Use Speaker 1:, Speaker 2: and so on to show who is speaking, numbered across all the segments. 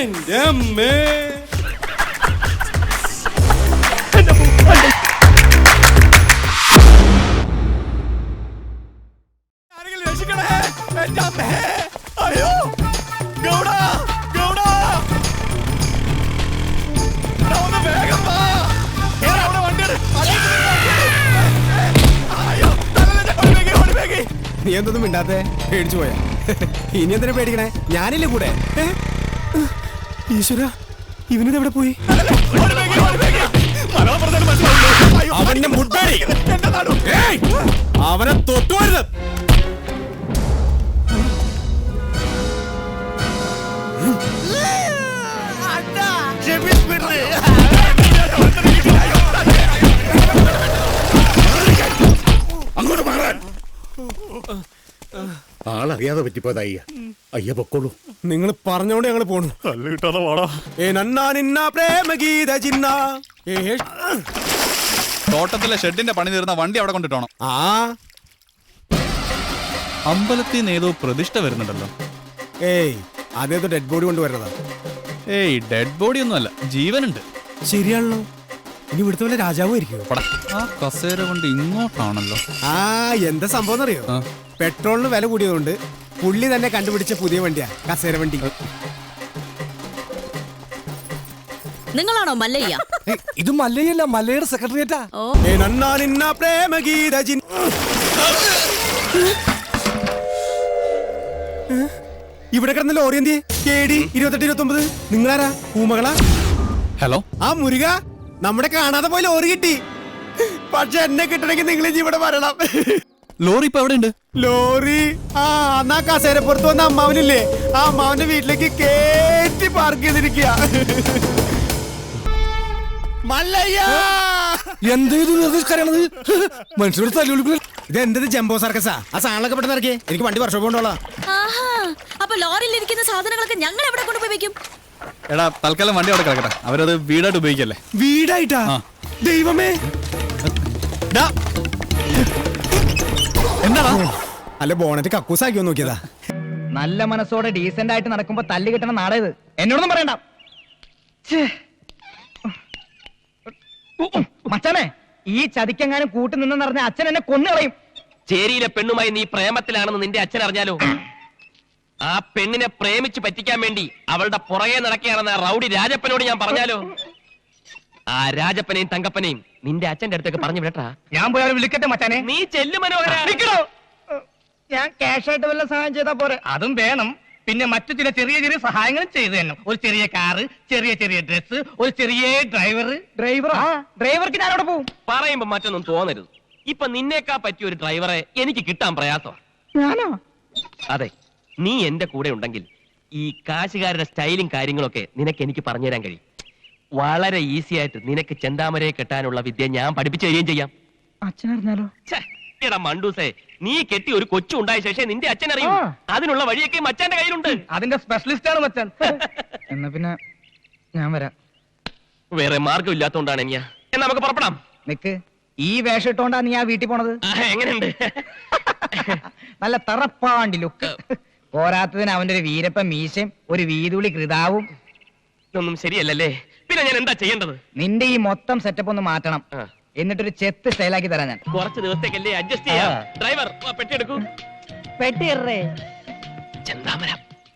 Speaker 1: എന്റെ അമ്മേ. ആരെങ്കിലും രക്ഷിക്കണേ, എന്റെ അമ്മേ. അയ്യോ ഗൗഡ, ഗൗഡ, ഒന്ന് വേഗം വാ. അവിടെ വണ്ടിയാണ്. അയ്യോ ഓടിവേഗി.
Speaker 2: നീ എന്തൊന്നും മിണ്ടാത്തെ? പേടിച്ചു പോയാ? ഇനി എന്തിനാ പേടിക്കണേ? ഞാനില്ലേ കൂടെ. ഈശ്വര, ഇവനിതെവിടെ പോയി? അവന്റെ മുട്ടായി അവനെ തൊട്ടുവരുത്.
Speaker 3: അങ്ങോട്ട് മാറാൻ. ആളറിയാതെ പറ്റിപ്പോയത് അയ്യ. അയ്യ പൊക്കോളൂ.
Speaker 2: നിങ്ങൾ പറഞ്ഞോണ്ട് ഞങ്ങള് പോണു.
Speaker 4: തോട്ടത്തിലെ ഷെഡിന്റെ പണി തീർന്ന വണ്ടി അവിടെ കൊണ്ടിട്ടോണം.
Speaker 2: ആ
Speaker 4: അമ്പലത്തിൽ നിന്ന് ഏതോ പ്രതിഷ്ഠ വരുന്നുണ്ടല്ലോ.
Speaker 2: ഏയ്, അതേതോ ഡെഡ് ബോഡി കൊണ്ടുവരുന്നതാ.
Speaker 4: ഏയ്, ഡെഡ് ബോഡി ഒന്നും അല്ല, ജീവനുണ്ട്.
Speaker 2: ശരിയാണല്ലോ. ഇനി ഇവിടുത്തെ വല്ല രാജാവായിരിക്കും.
Speaker 4: ആ കസേര കൊണ്ട് ഇങ്ങോട്ടാണല്ലോ.
Speaker 2: ആ എന്താ സംഭവം എന്നറിയോ? പെട്രോളിന് വില കൂടിയതുകൊണ്ട് പുള്ളി തന്നെ കണ്ടുപിടിച്ച പുതിയ വണ്ടിയാ കസേര വണ്ടി.
Speaker 5: നിങ്ങളാണോ മല്ലയ്യ?
Speaker 2: ഇത് മല്ലയല്ല, മല്ലയുടെ സെക്രട്ടറിയേറ്റാ. ഇവിടെ കിടന്ന ലോറി എന്തിയെ? KD 2829. നിങ്ങളാരാ? പൂമകളാ?
Speaker 4: ഹലോ.
Speaker 2: ആ മുരുക, നമ്മുടെ കാണാതെ പോയി ലോറി കിട്ടി. പക്ഷെ എന്നെ കിട്ടണമെങ്കിൽ നിങ്ങൾ ഇവിടെ വരണം.
Speaker 4: ലോറി ഇപ്പൊ എവിടെ ഉണ്ട്?
Speaker 2: ലോറി എന്നാ കസേരപ്പുറത്ത് വന്ന അമ്മാവനില്ലേ, ആ അമ്മാവന്റെ വീട്ടിലേക്ക് കേറ്റി പാർക്ക് ചെയ്തിരിക്കുക. ഇതെന്തത് ജംബോ സർക്കസാ? ആ സാധനങ്ങളൊക്കെ പെട്ടെന്ന് ഇറക്കിയേ, എനിക്ക് വണ്ടി വർഷം കൊണ്ടോളാം.
Speaker 5: അപ്പൊ ലോറിയിൽ ഇരിക്കുന്ന സാധനങ്ങളൊക്കെ ഞങ്ങൾ എവിടെ കൊണ്ടുപോയി വെക്കും?
Speaker 4: എടാ, തൽക്കാലം വണ്ടി അവിടെ കിടക്കട്ടെ. അവരത് വീടായിട്ട് ഉപയോഗിക്കല്ലേ.
Speaker 2: വീടായിട്ടാ? ദൈവമേ.
Speaker 4: എന്താടാ?
Speaker 2: അല്ല, ബോണറ്റ് കക്കൂസാക്കിയോ നോക്കിയതാ.
Speaker 6: നല്ല മനസ്സോടെ ഡീസന്റ് ആയിട്ട് നടക്കുമ്പോ തല്ലി കിട്ടണ നാടേത്. എന്നോടൊന്നും പറയണ്ട മച്ചാനെ. ഈ ചതിക്കെങ്ങാനും കൂട്ടി നിന്നെന്ന് പറഞ്ഞ അച്ഛൻ എന്നെ കൊന്നുകളയും.
Speaker 7: ചേരിയിലെ പെണ്ണുമായി നീ പ്രേമത്തിലാണെന്ന് നിന്റെ അച്ഛൻ അറിഞ്ഞാലോ? ആ പെണ്ണിനെ പ്രേമിച്ച് പറ്റിക്കാൻ വേണ്ടി അവളുടെ പുറകെ നടക്കുകയാണെന്ന് റൗഡി രാജപ്പനോട് ഞാൻ പറഞ്ഞാലോ? ആ രാജപ്പനെയും തങ്കപ്പനെയും നിന്റെ അച്ഛന്റെ അടുത്തേക്ക് പറഞ്ഞു വിടട്ടാ.
Speaker 6: ഞാൻ പോയി അവരെ വിളിക്കട്ടെ മച്ചാനെ.
Speaker 7: നീ ചെല്ലു മനോഹര.
Speaker 6: ഞാൻ ക്യാഷ് ആയിട്ട് വല്ല സഹായം ചെയ്താ പോരെ? അതും വേണം. പിന്നെ മറ്റു ചില ചെറിയ ചെറിയ സഹായങ്ങളും ചെയ്തു തന്നെ. ഒരു ചെറിയ കാറ്, ചെറിയ ചെറിയ ഡ്രസ്, ഒരു ചെറിയ ഡ്രൈവർക്ക് ഞാൻ അവിടെ പോകും.
Speaker 7: പറയുമ്പോ മറ്റൊന്നും തോന്നരുത്. ഇപ്പൊ നിന്നേക്കാ പറ്റിയ ഒരു ഡ്രൈവറെ എനിക്ക് കിട്ടാൻ പ്രയാസമാണ്.
Speaker 6: ഞാനോ?
Speaker 7: അതെ, നീ എന്റെ കൂടെ ഉണ്ടെങ്കിൽ ഈ കാശുകാരുടെ സ്റ്റൈലും കാര്യങ്ങളൊക്കെ നിനക്ക് എനിക്ക് പറഞ്ഞുതരാൻ കഴിയും. വളരെ ഈസി ആയിട്ട് നിനക്ക് ചെന്താമരയെ കെട്ടാനുള്ള വിദ്യ ഞാൻ പഠിപ്പിച്ചു തരികയും ചെയ്യാം.
Speaker 6: അച്ഛനറിഞ്ഞാലോ?
Speaker 7: എടാ മണ്ടൂസേ, നീ കെട്ടി ഒരു കൊച്ചു ഉണ്ടായ ശേഷം നിന്റെ അച്ഛൻ അറിയും. അതിനുള്ള വഴിയൊക്കെ മച്ചാന്റെ കയ്യിലുണ്ട്.
Speaker 6: അതിന്റെ സ്പെഷ്യലിസ്റ്റ് ആണ് മച്ചാൻ. എന്നാ പിന്നെ ഞാൻ വരാം.
Speaker 7: വേറെ മാർഗം ഇല്ലാത്തോണ്ടാണ് എന്നാ നമുക്ക് പുറപ്പെടാം.
Speaker 6: നിക്ക്, ഈ വേഷം ഇട്ടോണ്ടാ നീ ആ വീട്ടിൽ പോണത്?
Speaker 7: എങ്ങനെയുണ്ട്?
Speaker 6: നല്ല തറപ്പാണ്ടി ലുക്ക്. പോരാത്തതിന് അവന്റെ ഒരു വീരപ്പ മീശയും ഒരു വീതുളി കൃതാവും.
Speaker 7: ഇതൊന്നും ശരിയല്ലല്ലേ? പിന്നെ ഞാൻ എന്താ ചെയ്യേണ്ടത്?
Speaker 6: നിന്റെ ഈ മൊത്തം സെറ്റപ്പ് ഒന്ന് മാറ്റണം. എന്നിട്ടൊരു ചെത്ത് സ്റ്റൈലാക്കി തരാം ഞാൻ.
Speaker 7: കുറച്ച് ദിവസത്തേക്കല്ലേ അഡ്ജസ്റ്റ് ചെയ്യാം. ഡ്രൈവർ പെട്ടി എടുക്കൂ.
Speaker 6: പെട്ടി എറേ.
Speaker 7: ചെന്താമര.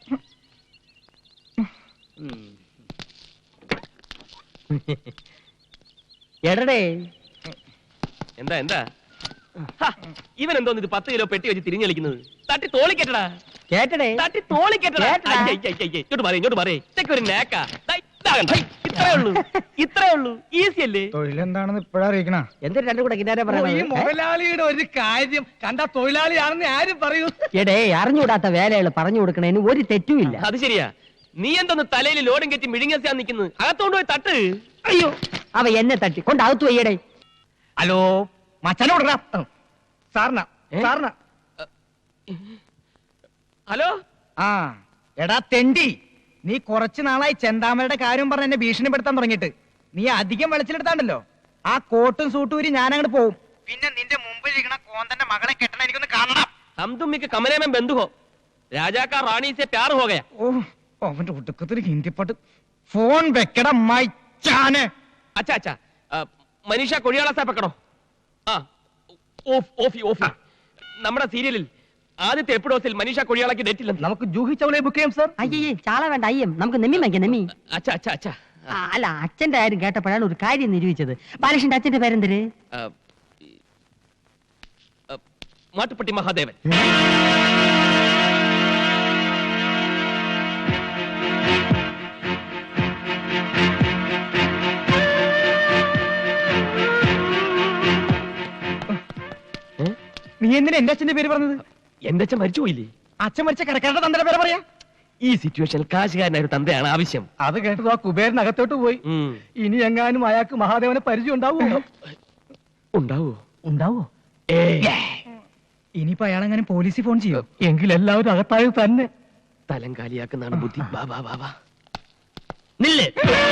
Speaker 6: എടടേ.
Speaker 7: എന്താ എന്താ ഇവൻ എന്തോന്ന് ഇത് 10 കിലോ പെട്ടി വെച്ച് തിരിഞ്ഞളിക്കുന്നത്? തട്ടി തോളിക്കെട്ടടാ.
Speaker 6: കേട്ടടേ?
Speaker 7: തട്ടി തോളിക്കെട്ടടാ. ഇങ്ങോട്ട് പറയേ, ഇങ്ങോട്ട് പറയേ. ഇതൊക്കെ ഒരു നേക്കാ. ഇത്രേ ഉള്ളൂ, ഇത്രേ ഉള്ളൂ. ഈസി അല്ലേ?
Speaker 6: തൊഴിലെന്താണെന്ന് ഇപ്പഴാ അറിയിക്കണ. എന്തൊരു രണ്ടു കൂടെ കിന്നാരെ പറയുന്നത്?
Speaker 8: മുതലാളിയുടെ ഒരു കാര്യം കണ്ട തൊഴിലാളിയാണെന്ന് ആരും പറയൂ.
Speaker 6: എടേ, അറിഞ്ഞുകൂടാത്ത വേലകൾ പറഞ്ഞു കൊടുക്കണേന് ഒരു തെറ്റുമില്ല.
Speaker 7: അത് ശരിയാ. നീ എന്തോന്ന് തലയിൽ ലോഡും കെറ്റി മിഴുങ്ങാൻ നിൽക്കുന്നത്? അകത്തോണ്ട് പോയി തട്ട്.
Speaker 6: അയ്യോ, അവ എന്നെ തട്ടി കൊണ്ട് അകത്തു വയ്യടേ. ഹലോ, മച്ചനോട് സാറിന.
Speaker 7: ഹലോ.
Speaker 6: ആ എടാ തെണ്ടി, നീ കുറച്ചു നാളായി ചെന്താമരയുടെ കാര്യം പറഞ്ഞ് എന്നെ ഭീഷണിപ്പെടുത്താൻ തുടങ്ങിയിട്ട്. നീ അധികം വെളിച്ചിലെടുത്താണ്ടല്ലോ, ആ കോട്ടും സൂട്ടൂരി ഞാൻ അങ്ങോട്ട് പോവും. പിന്നെ നിന്റെ മുമ്പിൽ ഇരിക്കണ കോന്തന്റെ മകളെ കെട്ടണ എനിക്കൊന്ന് കാണണം.
Speaker 7: हम तुम के कमरे में बंद हो, राजा का रानी से प्यार हो गया.
Speaker 6: ഓ, അവന്റെ ഒടുക്കത്തിന് ഹിന്ദിപ്പാട്ട്. ഫോൺ വെക്കട മൈച്ചാനെ.
Speaker 7: അച്ഛാ അച്ഛാ മനീഷ കൊഴിയാള സാപ്പ് വെക്കണോ? ആ ഓഫ് ഓഫി ഓഫി. നമ്മുടെ സീരിയലിൽ ആദ്യത്തെ എപ്പിഡോസിൽ മനീഷ കൊഴിയാളക്ക് ഡേറ്റ് ഇല്ലെന്ന്.
Speaker 6: നമുക്ക് ജൂഹി ചൗളയെ ബുക്ക് ചെയ്യാം സർ.
Speaker 9: അയ്യേ ചാള വേണ്ട അയ്യം നമുക്ക് നെമ്മി വാങ്ങിക്കാം നെമ്മി.
Speaker 7: അച്ഛാ അച്ഛാ അച്ഛാ
Speaker 9: അല്ല അച്ഛന്റെ കാര്യം കേട്ടപ്പോഴാണ് ഒരു കാര്യം നിരൂപിച്ചത്. ബാലകൃഷ്ണന്റെ അച്ഛന്റെ പേരെന്തര്?
Speaker 7: മാട്ടുപ്പെട്ടി മഹാദേവൻ.
Speaker 6: നീ എന്തിനാ എന്റെ അച്ഛന്റെ പേര് പറഞ്ഞത്?
Speaker 7: എന്റെ അച്ഛൻ മരിച്ചു പോയില്ലേ?
Speaker 6: അച്ഛൻ മരിച്ച കടക്കാരുടെ തന്റെ പേര് പറയാ.
Speaker 7: ഈ സിറ്റുവേഷനിൽ കാശുകാരനായ ഒരു തന്തയാണ് ആവശ്യം.
Speaker 6: അത് കേട്ടത് ആ കുബേരനകത്തോട്ട് പോയി. ഇനി എങ്ങാനും അയാൾക്ക് മഹാദേവനെ പരിചയം ഉണ്ടാവുമോ?
Speaker 7: ഉണ്ടാവോ?
Speaker 6: ഉണ്ടാവോ? ഇനിയിപ്പോ അയാളെങ്ങനെ പോലീസിൽ ഫോൺ ചെയ്യോ? എങ്കിൽ എല്ലാവരും അകത്തായത് തന്നെ.
Speaker 7: തലം കാലിയാക്കുന്നതാണ് ബുദ്ധി. വാ വാ വാ വാ. നില്ല്.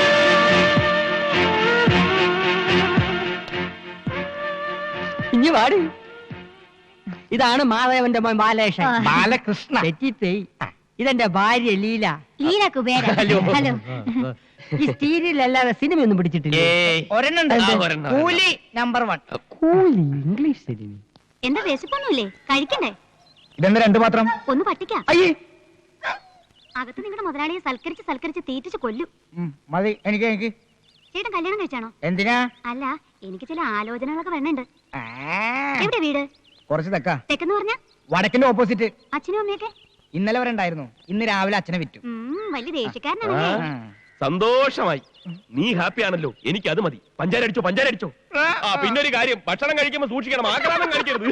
Speaker 9: ഇനി വാടി. ഇതാണ് മാധവന്റെ മോൻ ബാലകൃഷ്ണൻ.
Speaker 6: ബാലകൃഷ്ണ.
Speaker 9: തെറ്റിപ്പോയി. ഇതെന്റെ ഭാര്യ ലീല.
Speaker 5: ലീല കുബേര.
Speaker 7: ഹലോ.
Speaker 5: ഹലോ.
Speaker 9: ഈ സീരിയലല്ലാതെ സിനിമയൊന്നും പിടിച്ചിട്ടില്ല.
Speaker 7: ഏയ്.
Speaker 6: ഒരെണ്ണം
Speaker 7: ആ, ഒരെണ്ണം.
Speaker 6: കൂലി നമ്പർ 1.
Speaker 9: കൂലി ഇംഗ്ലീഷ് സിനിമ.
Speaker 5: എന്താ വിശപ്പൊന്നുമില്ലേ? കഴിക്കണ്ടേ?
Speaker 6: ഇതെന്താ രണ്ടു മാത്രം?
Speaker 5: ഒന്ന് പട്ടിക്കാം.
Speaker 6: അയ്യേ.
Speaker 5: അകത്ത് നിങ്ങളുടെ മുതലാളിയെ സൽക്കരിച്ച് തീറ്റിച്ച് കൊല്ലും.
Speaker 6: മതി. എനിക്ക്
Speaker 5: ചേട്ടൻ കല്യാണം കഴിച്ചാണോ?
Speaker 6: എന്തിനാ?
Speaker 5: അല്ല, എനിക്ക് ചില ആലോചനകളൊക്കെ വേണുണ്ട്. എവിടെ വീട്?
Speaker 6: കുറച്ച് തെക്കാ.
Speaker 5: തെക്കെന്ന് പറഞ്ഞ
Speaker 6: വടക്കിന്റെ ഓപ്പോസിറ്റ്.
Speaker 5: അച്ഛനും അമ്മയൊക്കെ
Speaker 6: ഇന്നലെ വരെ ഉണ്ടായിരുന്നു. ഇന്ന് രാവിലെ അച്ഛനെ വിറ്റു.
Speaker 5: വലിയ ദേഷ്യക്കാരനാണല്ലേ?
Speaker 7: സന്തോഷമായി. നീ ഹാപ്പി ആണല്ലോ, എനിക്ക് അത് മതി. പഞ്ചാര അടിച്ചോ പഞ്ചാര അടിച്ചോ. ആ പിന്നെ ഒരു കാര്യം, ഭക്ഷണം കഴിക്കുമ്പോ സൂക്ഷിക്കണം, ആക്രാമം കഴിക്കരുത്.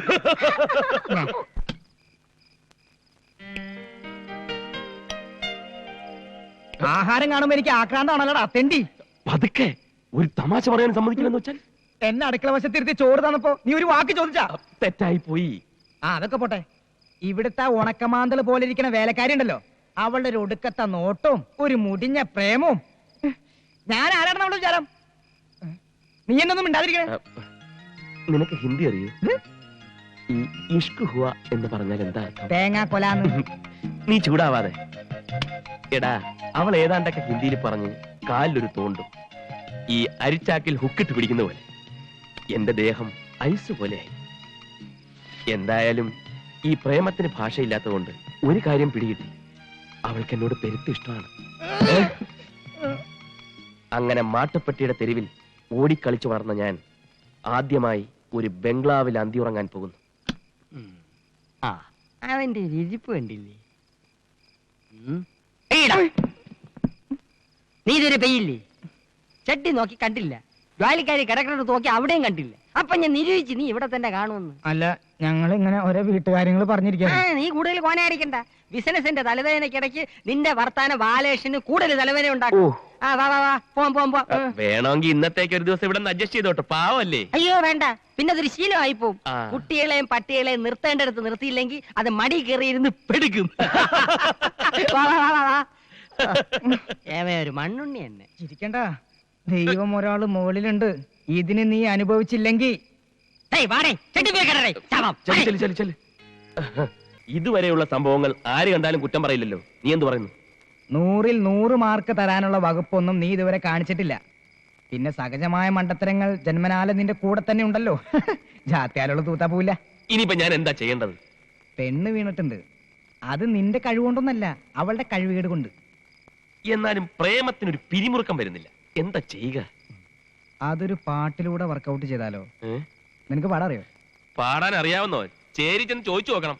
Speaker 6: ആഹാരം കാണുമ്പോ എനിക്ക് ആക്രാന്താണല്ലോടാ തെണ്ടി.
Speaker 7: പതുക്കെ. ഒരു തമാശ പറയാൻ സമ്മതിക്കില്ലെന്ന് വെച്ചാൽ
Speaker 6: എന്നെ അടുക്കള വശത്തിരുത്തി ചോറ് തന്നപ്പോ നീ ഒരു വാക്ക് ചോദിച്ചാ?
Speaker 7: തെറ്റായി പോയി.
Speaker 6: അതൊക്കെ പോട്ടെ. ഇവിടുത്തെ ഉണക്കമാന്തള് പോലെ ഇരിക്കുന്ന വേലക്കാരി ഉണ്ടല്ലോ, അവളുടെ ഒരു ഒടുക്കത്തെ നോട്ടവും ഒരു മുടിഞ്ഞ പ്രേമവും. ഞാൻ ആരാണ് അവളുടെ വിചാരം? നീ എന്നൊന്നും മിണ്ടാതിരിക്കണേ.
Speaker 7: നിനക്ക് ഹിന്ദി അറിയോ? ഈ ഇഷ്ക് ഹുവ എന്ന് പറഞ്ഞാൽ എന്താ അർത്ഥം?
Speaker 6: തേങ്ങാ കൊലാന്ന്.
Speaker 7: നീ ചൂടാവാതെ. എടാ, അവൾ ഏതാണ്ടൊക്കെ ഹിന്ദിയിൽ പറഞ്ഞ് കാലിലൊരു തോണ്ടും. ഈ അരിച്ചാക്കിൽ ഹുക്കിട്ട് പിടിക്കുന്ന പോലെ എന്റെ ദേഹം ഐസ് പോലെയായി. എന്തായാലും ഈ പ്രേമത്തിന് ഭാഷയില്ലാത്തതുകൊണ്ട് ഒരു കാര്യം പിടികിട്ടി, അവൾക്ക് എന്നോട് പെരുത്ത് ഇഷ്ടമാണ്. അങ്ങനെ മാട്ടുപ്പെട്ടിയുടെ തെരുവിൽ ഓടിക്കളിച്ചു വളർന്ന ഞാൻ ആദ്യമായി ഒരു ബംഗ്ലാവിൽ അന്തിയുറങ്ങാൻ പോകുന്നു.
Speaker 9: ആ അവന്റെ ഒരു ഇരിപ്പ് കണ്ടില്ലേ? നീ ഇതൊരു പെയ്യില്ലേ? ചട്ടി നോക്കി കണ്ടില്ല, ജോലിക്കാരി കിടക്കുന്നത് നോക്കി അവിടെയും കണ്ടില്ല. അപ്പൊ ഞാൻ നിരൂപിച്ച് നീ ഇവിടെ തന്നെ കാണുമെന്ന്.
Speaker 6: അല്ല, ഞങ്ങൾ ഇങ്ങനെ ഓരോ വീട്ടുകാര്യങ്ങൾ പറഞ്ഞിരിക്കാ.
Speaker 9: നീ കൂടുതൽ കോനായിരിക്കണ്ട. ബിസിനസിന്റെ തലവേദനക്കിടയ്ക്ക് നിന്റെ വർത്താന ബാലേഷന് കൂടുതൽ തലവേദന ഉണ്ടാക്കും. ആ വാ വാ വാ, പോം പോം പോ.
Speaker 7: വേണമെങ്കിൽ ഇന്നത്തേക്ക് ഒരു ദിവസം ഇവിടെ നിർജ്ജസ്റ്റ് ചെയ്തോട്ടെ, പാവല്ലേ?
Speaker 9: അയ്യോ വേണ്ട, പിന്നെ അതൊരു ശീലമായി പോവും. കുട്ടികളെയും പട്ടികളെയും നിർത്തേണ്ടടുത്ത് നിർത്തിയില്ലെങ്കിൽ അത് മടി കയറിയിരുന്ന് പെടുക്കും. ഒരു മണ്ണുണ്ണി തന്നെ.
Speaker 6: ചിരിക്കണ്ട, ദൈവം ഒരാള് മുകളിലുണ്ട്. ഇതിന് നീ അനുഭവിച്ചില്ലെങ്കിൽ
Speaker 7: ഇതുവരെയുള്ള സംഭവങ്ങൾ ആര് കണ്ടാലും കുറ്റം പറയില്ലല്ലോ. നീ എന്ത് പറയുന്നു?
Speaker 6: 100-ൽ 100 മാർക്ക് തരാനുള്ള വകുപ്പൊന്നും നീ ഇതുവരെ കാണിച്ചിട്ടില്ല. പിന്നെ സഹജമായ മണ്ടത്തരങ്ങൾ ജന്മനാല നിന്റെ കൂടെ തന്നെ ഉണ്ടല്ലോ. ജാത്യാലുള്ള തൂത്താ പോവില്ല.
Speaker 7: ഇനിയിപ്പോ ഞാൻ എന്താ ചെയ്യേണ്ടത്?
Speaker 6: പെണ്ണ് വീണിട്ടുണ്ട്. അത് നിന്റെ കഴിവുകൊണ്ടൊന്നല്ല, അവളുടെ കഴിവുകേട് കൊണ്ട്.
Speaker 7: എന്നാലും പ്രേമത്തിനൊരു പിരിമുറുക്കം വരുന്നില്ല. എന്താ ചെയ്യുക?
Speaker 6: അതൊരു പാട്ടിലൂടെ വർക്കൗട്ട് ചെയ്താലോ? നിനക്ക് പാടാറിയോ?
Speaker 7: പാടാൻ അറിയാവുന്നോ? ചേരി ചെന്ന് ചോദിച്ചു നോക്കണം.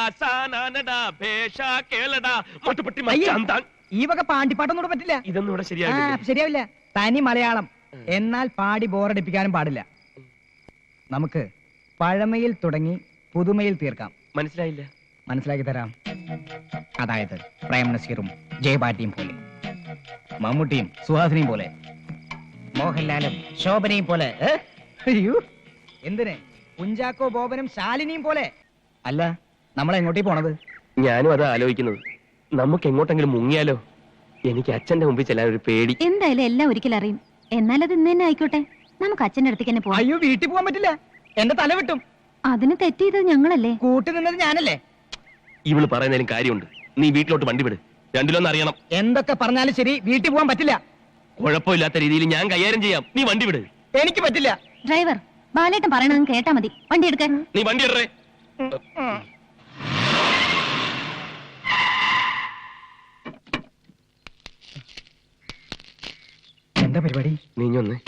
Speaker 6: ഈ വക പാണ്ടിപ്പാട്ടൊന്നും പറ്റില്ല.
Speaker 7: ഇതൊന്നും ഇവിടെ ശരിയാവില്ല.
Speaker 6: ശരിയാവില്ല. തനി മലയാളം. എന്നാൽ പാടി ബോറടിപ്പിക്കാനും പാടില്ല. നമുക്ക് പഴമയിൽ തുടങ്ങി പുതുമയിൽ തീർക്കാം.
Speaker 7: മനസ്സിലായില്ല?
Speaker 6: മനസ്സിലാക്കി തരാം. അതായത് പ്രേം നസീറും ജയപാട്ടിയും പോലെ, മമ്മൂട്ടിയും സുഹാസിനിയും പോലെ, മോഹൻലാലും ശോഭനയും പോലെ. എന്തിന് കുഞ്ചാക്കോ ബോബനും ശാലിനിയും പോലെ. അല്ല, നമ്മൾ എങ്ങോട്ടേ പോണത്?
Speaker 7: ഞാനും അത് ആലോചിക്കുന്നത്. നമുക്ക് എങ്ങോട്ടെങ്കിലും മുങ്ങിയാലോ? എനിക്ക് അച്ഛന്റെ മുമ്പിൽ ചെല്ലാൻ ഒരു പേടി.
Speaker 5: എന്തായാലും എല്ലാം ഒരിക്കലും അറിയും. എന്നാൽ അത് ഇന്ന് തന്നെ ആയിക്കോട്ടെ. നമുക്ക് അച്ഛന്റെ അടുത്തേക്ക് തന്നെ പോവാം.
Speaker 6: അയ്യോ, വീട്ടിൽ പോകാൻ പറ്റില്ല. എന്റെ തല വിട്ടും.
Speaker 5: അതിന് തെറ്റ് ചെയ്തത് ഞങ്ങളല്ലേ?
Speaker 6: കൂട്ടി നിന്നത് ഞാനല്ലേ?
Speaker 7: ഇവള് പറയുന്നതിലും കാര്യമുണ്ട്. നീ വീട്ടിലോട്ട് വണ്ടി വിട്. രണ്ടിലൊന്നും അറിയണം.
Speaker 6: എന്തൊക്കെ പറഞ്ഞാലും ശരി, വീട്ടിൽ പോകാൻ പറ്റില്ല.
Speaker 7: കുഴപ്പമില്ലാത്ത രീതിയിൽ ഞാൻ കൈകാര്യം ചെയ്യാം. നീ വണ്ടി വിട്.
Speaker 6: എനിക്ക് പറ്റില്ല.
Speaker 5: ഡ്രൈവർ, ബാലേട്ടൻ പറയണത് കേട്ടാ മതി. വണ്ടി എടുക്കാൻ.
Speaker 7: നീ വണ്ടി ഇടറേ.
Speaker 6: എന്താ പരിപാടി?
Speaker 7: നീഞ്ഞൊന്ന്